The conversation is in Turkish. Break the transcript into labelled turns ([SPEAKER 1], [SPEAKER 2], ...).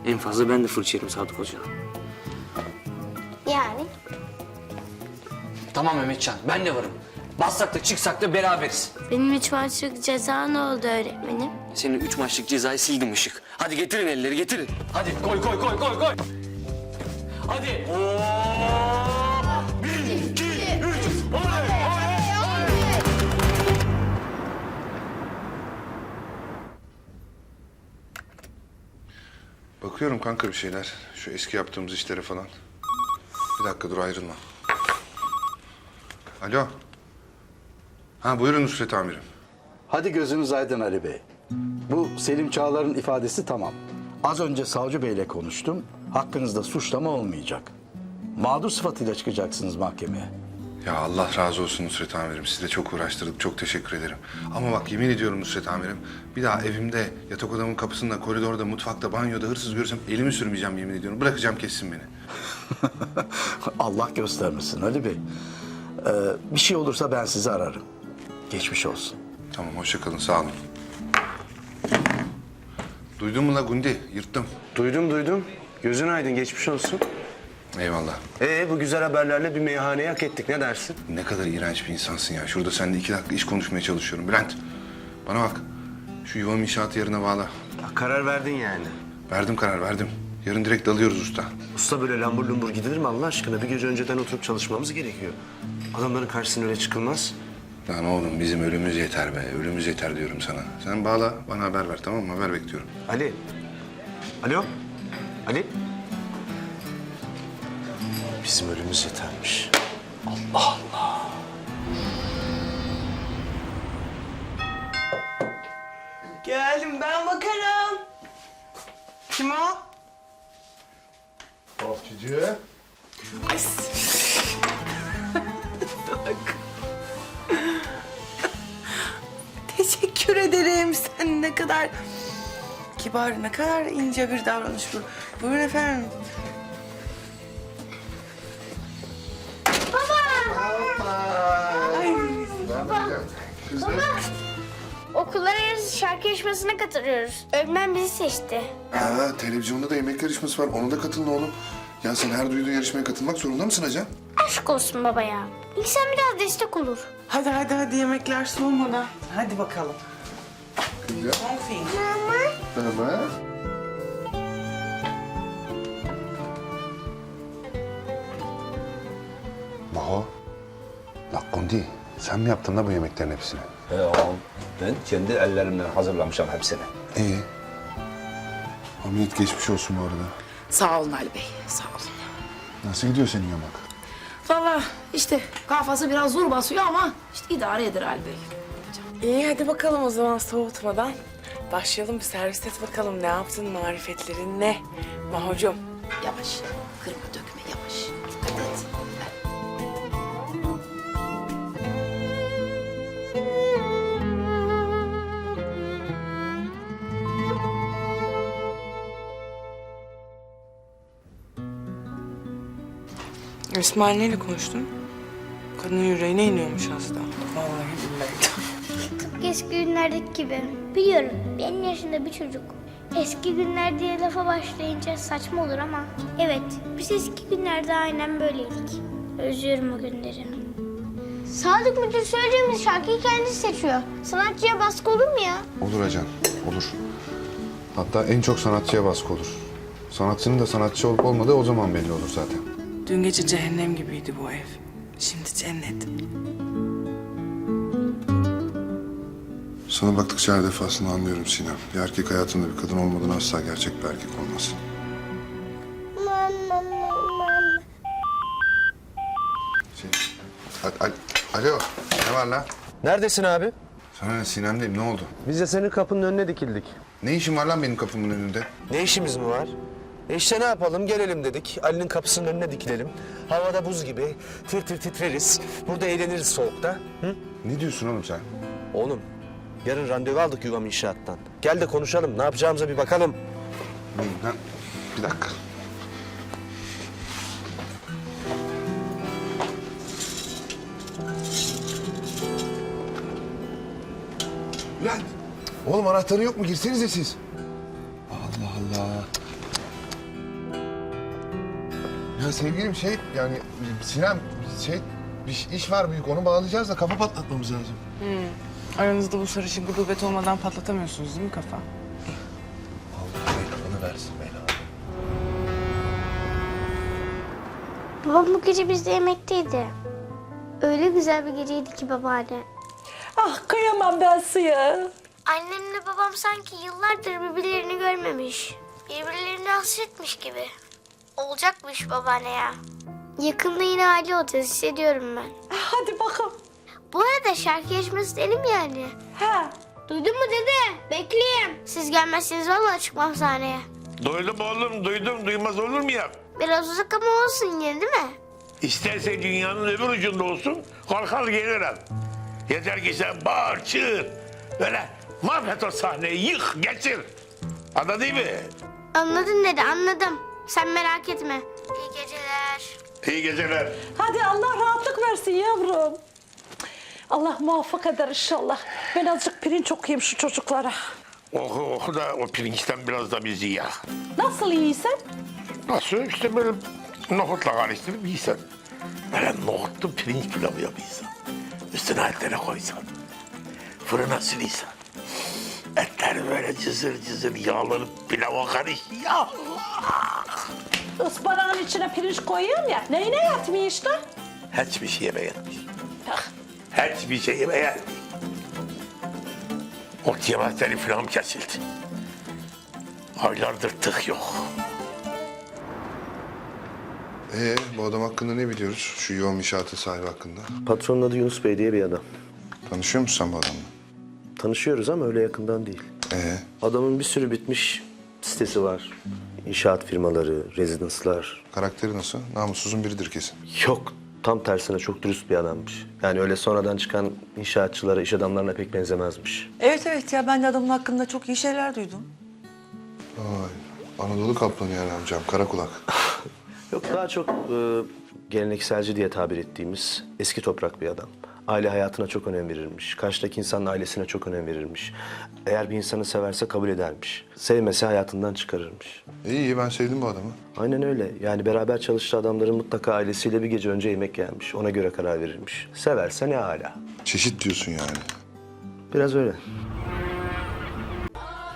[SPEAKER 1] En fazla ben de fırça yerim Sadık Hoca'dan.
[SPEAKER 2] Yani?
[SPEAKER 1] Tamam Mehmetcan, ben de varım. Bassak da çıksak da beraberiz.
[SPEAKER 2] Benim 3 maçlık ceza ne oldu öğretmenim?
[SPEAKER 1] Senin 3 maçlık cezayı sildim Işık. Hadi getirin elleri, getirin. Hadi koy. Hadi. Oo! 1, 2, 3. Oley!
[SPEAKER 3] Bakıyorum kanka bir şeyler. Şu eski yaptığımız işlere falan. Bir dakika dur ayrılma. Alo. Ha buyurun Nusret amirim.
[SPEAKER 4] Hadi gözünüz aydın Ali Bey. Bu Selim Çağlar'ın ifadesi tamam. Az önce savcı beyle konuştum. Hakkınızda suçlama olmayacak. Mağdur sıfatıyla çıkacaksınız mahkemeye.
[SPEAKER 3] Ya Allah razı olsun Nusret amirim. Sizi de çok uğraştırdık. Çok teşekkür ederim. Ama bak yemin ediyorum Nusret amirim. Bir daha evimde, yatak odamın kapısında, koridorda, mutfakta, banyoda hırsız görürsem elimi sürmeyeceğim yemin ediyorum. Bırakacağım kessin beni.
[SPEAKER 4] Allah göstermesin Ali Bey. Bir şey olursa ben sizi ararım. Geçmiş olsun.
[SPEAKER 3] Tamam hoşça kalın sağ olun. Duydun mu la Gundi? Yırttım.
[SPEAKER 5] Duydum. Gözün aydın, geçmiş olsun.
[SPEAKER 3] Eyvallah.
[SPEAKER 5] Bu güzel haberlerle bir meyhaneyi hak ettik, ne dersin?
[SPEAKER 3] Ne kadar iğrenç bir insansın ya. Şurada seninle 2 dakika iş konuşmaya çalışıyorum. Bülent, bana bak. Şu yuvam inşaatı yarına bağla.
[SPEAKER 5] Karar verdin yani.
[SPEAKER 3] Verdim karar, verdim. Yarın direkt dalıyoruz usta.
[SPEAKER 5] Usta böyle lambur lumbur gidilir mi Allah aşkına? Bir gece önceden oturup çalışmamız gerekiyor. Adamların karşısına öyle çıkılmaz.
[SPEAKER 3] Lan oğlum bizim ölümümüz yeter be. Ölümümüz yeter diyorum sana. Sen bağla, bana haber ver tamam mı? Haber bekliyorum.
[SPEAKER 5] Ali. Alo. Ali. Bizim ölümümüz yetermiş. Allah Allah.
[SPEAKER 6] Geldim, ben bakarım. Kim o?
[SPEAKER 3] Hafifçi.
[SPEAKER 6] Ay. Teşekkür ederim. Sen ne kadar kibar, ne kadar ince bir davranış bu. Buyurun efendim.
[SPEAKER 2] Okullar arası şarkı yarışmasına katılıyoruz. Öğretmen bizi seçti.
[SPEAKER 3] Ha, televizyonda da yemek yarışması var. Ona da katılın oğlum. Ya sen her duyduğun yarışmaya katılmak zorunda mısın Hacan?
[SPEAKER 2] Aşk olsun baba ya. İnsan biraz destek olur.
[SPEAKER 6] Hadi yemekler soğumadan. Hadi bakalım.
[SPEAKER 3] Güzel.
[SPEAKER 6] Confin.
[SPEAKER 3] Tamam. Maho. La Gundi, sen mi yaptın da bu yemeklerin hepsini?
[SPEAKER 7] Ağam, ben kendi ellerimle hazırlamışım hepsini.
[SPEAKER 3] İyi. Ameliyat geçmiş olsun bu arada.
[SPEAKER 8] Sağ olun Ali Bey, sağ olun.
[SPEAKER 3] Nasıl gidiyor senin yamak?
[SPEAKER 8] Vallahi işte kafası biraz zor basıyor ama işte idare eder Ali Bey.
[SPEAKER 6] İyi hadi bakalım o zaman soğutmadan. Başlayalım bir servis et bakalım ne yaptın, marifetlerin ne? Mahocuğum.
[SPEAKER 8] Yavaş, kırma dökme yavaş. Dikkat et.
[SPEAKER 6] İsmail neyle konuştun? Kadının yüreğine iniyormuş hasta. Vallahi billahi.
[SPEAKER 2] Eski günlerdeki gibi. Biliyorum benim yaşında bir çocuk. Eski günler diye lafa başlayınca saçma olur ama... Evet, biz eski günlerde aynen böyleydik. Özlüyorum o günleri. Sadık Müdür söylediğimiz şarkıyı kendisi seçiyor. Sanatçıya baskı olur mu ya?
[SPEAKER 3] Olur Hacan, olur. Hatta en çok sanatçıya baskı olur. Sanatçının da sanatçı olup olmadığı o zaman belli olur zaten.
[SPEAKER 6] Dün gece cehennem gibiydi bu ev. Şimdi cennet.
[SPEAKER 3] Sana baktıkça her defasında anlıyorum Sinem. Bir erkek hayatında bir kadın olmadan asla gerçek bir erkek olmaz. Alo, ne var lan?
[SPEAKER 5] Neredesin abi?
[SPEAKER 3] Sana ne Sinem'deyim, ne oldu?
[SPEAKER 5] Biz de senin kapının önüne dikildik.
[SPEAKER 3] Ne işin var lan benim kapımın önünde?
[SPEAKER 5] Ne işimiz mi var? İşte ne yapalım, gelelim dedik. Ali'nin kapısının önüne dikilelim. Havada buz gibi, tir tir titreriz. Burada eğleniriz soğukta. Hı?
[SPEAKER 3] Ne diyorsun oğlum sen?
[SPEAKER 5] Oğlum, yarın randevu aldık Yuvam İnşaat'tan. Gel de konuşalım, ne yapacağımıza bir bakalım.
[SPEAKER 3] Lan, bir dakika. Lan! Oğlum anahtarı yok mu? Girsenize siz. Allah Allah. sevgilim yani Sinem bir iş var büyük onu bağlayacağız da kafa patlatmamız lazım.
[SPEAKER 6] Aranızda bu sarışın gıdubet olmadan patlatamıyorsunuz değil mi kafa?
[SPEAKER 3] Onu versin Mela.
[SPEAKER 2] Babam bu gece bizde yemekteydi. Öyle güzel bir geceydi ki babaanne.
[SPEAKER 9] Ah kıyamam ben suya.
[SPEAKER 2] Annemle babam sanki yıllardır birbirlerini görmemiş. Birbirlerine hasretmiş gibi. Olacakmış babaanne ya. Yakında yine aile olacağız hissediyorum ben.
[SPEAKER 9] Hadi bakalım.
[SPEAKER 2] Bu arada şarkı yarışması istedim yani.
[SPEAKER 9] Ha.
[SPEAKER 2] Duydun mu dede? Bekleyeyim. Siz gelmezseniz vallahi çıkmam sahneye.
[SPEAKER 10] Duydum oğlum, duydum. Duymaz olur mu ya?
[SPEAKER 2] Biraz uzak ama olsun yine değil mi?
[SPEAKER 10] İsterse dünyanın öbür ucunda olsun, kalkar gelirim. Yeter ki sen bağır, çığır. Böyle mahvet o sahneyi, yık, geçir. Anladın mı?
[SPEAKER 2] Anladın dede anladım. Sen merak etme. İyi geceler.
[SPEAKER 10] İyi geceler.
[SPEAKER 9] Hadi Allah rahatlık versin yavrum. Allah muvaffak eder inşallah. Ben azıcık pirinç okuyayım şu çocuklara.
[SPEAKER 10] Oku da o pirinçten biraz da bizi ya.
[SPEAKER 9] Nasıl iyiysen?
[SPEAKER 10] Nasıl? İşte böyle nohutla karıştırıp yiysen. Böyle nohutlu pirinç pilavı yapıysan. Üstüne etleri koysan. Fırına sürüysen. Etler böyle cızır cızır yağlanıp pilava karış. Ya.
[SPEAKER 9] Ispanağın içine pirinç koyuyorum ya. Neyine yatmıyor işte?
[SPEAKER 10] Hiçbir şey yeme yetmiş. Hiçbir şey yeme yetmiş. Ot yemezsen iflahım kesildi. Aylardır tık yok.
[SPEAKER 3] Bu adam hakkında ne biliyoruz? Şu yoğun inşaatın sahibi hakkında.
[SPEAKER 5] Patronun adı Yunus Bey diye bir adam.
[SPEAKER 3] Tanışıyor musun sen bu adamla?
[SPEAKER 5] Tanışıyoruz ama öyle yakından değil. Adamın bir sürü bitmiş sitesi var. İnşaat firmaları, rezidanslar.
[SPEAKER 3] Karakteri nasıl? Namussuzun biridir kesin.
[SPEAKER 5] Yok, tam tersine çok dürüst bir adammış. Yani öyle sonradan çıkan inşaatçılara, iş adamlarına pek benzemezmiş.
[SPEAKER 11] Evet ya ben de adamın hakkında çok iyi şeyler duydum.
[SPEAKER 3] Vay, Anadolu kaplanı yani amcam, kara kulak.
[SPEAKER 5] Yok, daha çok gelenekselci diye tabir ettiğimiz eski toprak bir adam. Aile hayatına çok önem verirmiş. Karşıdaki insanın ailesine çok önem verirmiş. Eğer bir insanı severse kabul edermiş. Sevmese hayatından çıkarırmış.
[SPEAKER 3] İyi, ben sevdim bu adamı.
[SPEAKER 5] Aynen öyle. Yani beraber çalıştığı adamların mutlaka ailesiyle bir gece önce yemek yermiş. Ona göre karar verirmiş. Severse ne hala.
[SPEAKER 3] Çeşit diyorsun yani.
[SPEAKER 5] Biraz öyle.